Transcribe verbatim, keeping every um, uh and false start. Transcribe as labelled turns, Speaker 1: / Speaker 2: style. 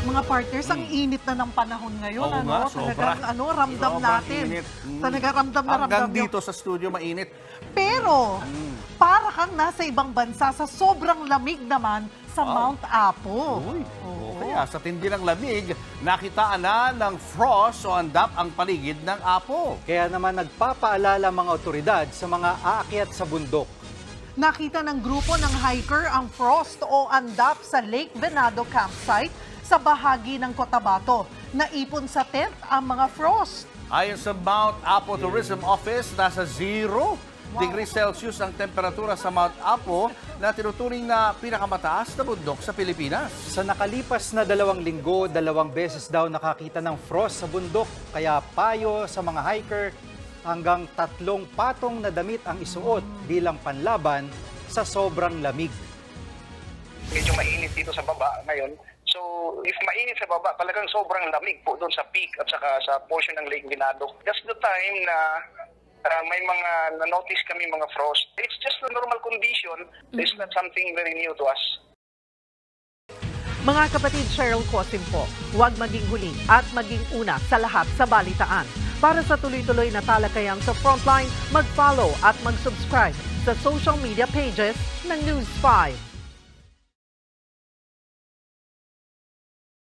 Speaker 1: Mga partners, ang init na ng panahon ngayon.
Speaker 2: Oo
Speaker 1: ano?
Speaker 2: nga,
Speaker 1: Talagang
Speaker 2: sobra.
Speaker 1: ano, ramdam
Speaker 2: Sobrang
Speaker 1: natin.
Speaker 2: init. Mm.
Speaker 1: Talaga ramdam na ramdam
Speaker 2: Hanggang
Speaker 1: nyo.
Speaker 2: dito sa studio mainit.
Speaker 1: Pero, para kang nasa ibang bansa sa sobrang lamig naman sa
Speaker 2: Wow.
Speaker 1: Mount Apo.
Speaker 2: Uy,
Speaker 1: Oo.
Speaker 2: o kaya sa tindi ng lamig, nakitaan na ng frost o andap ang paligid ng Apo.
Speaker 3: Kaya naman nagpapaalala mga otoridad sa mga aakyat sa bundok.
Speaker 1: Nakita ng grupo ng hiker ang frost o andap sa Lake Venado campsite sa bahagi ng Cotabato. Naipon sa tent ang mga frost.
Speaker 2: Ayon sa Mount Apo Tourism Office, nasa zero degrees Celsius ang temperatura sa Mount Apo na tinuturing na pinakamataas na bundok sa Pilipinas.
Speaker 3: Sa nakalipas na dalawang linggo, dalawang beses daw nakakita ng frost sa bundok. Kaya payo sa mga hiker, hanggang tatlong patong na damit ang isuot bilang panlaban sa sobrang lamig.
Speaker 4: Medyo mainit dito sa baba ngayon. So, if mainit sa baba, talagang sobrang lamig po doon sa peak at saka sa portion ng Lake Venado. That's the time na uh, may mga na-notice kami mga frost. It's just a normal condition. It's not something very new to us.
Speaker 1: Mga kapatid, Cheryl Cosim po, huwag maging huli at maging una sa lahat sa balitaan. Para sa tuloy-tuloy na talakayan sa Frontline, mag-follow at mag-subscribe sa social media pages ng News five.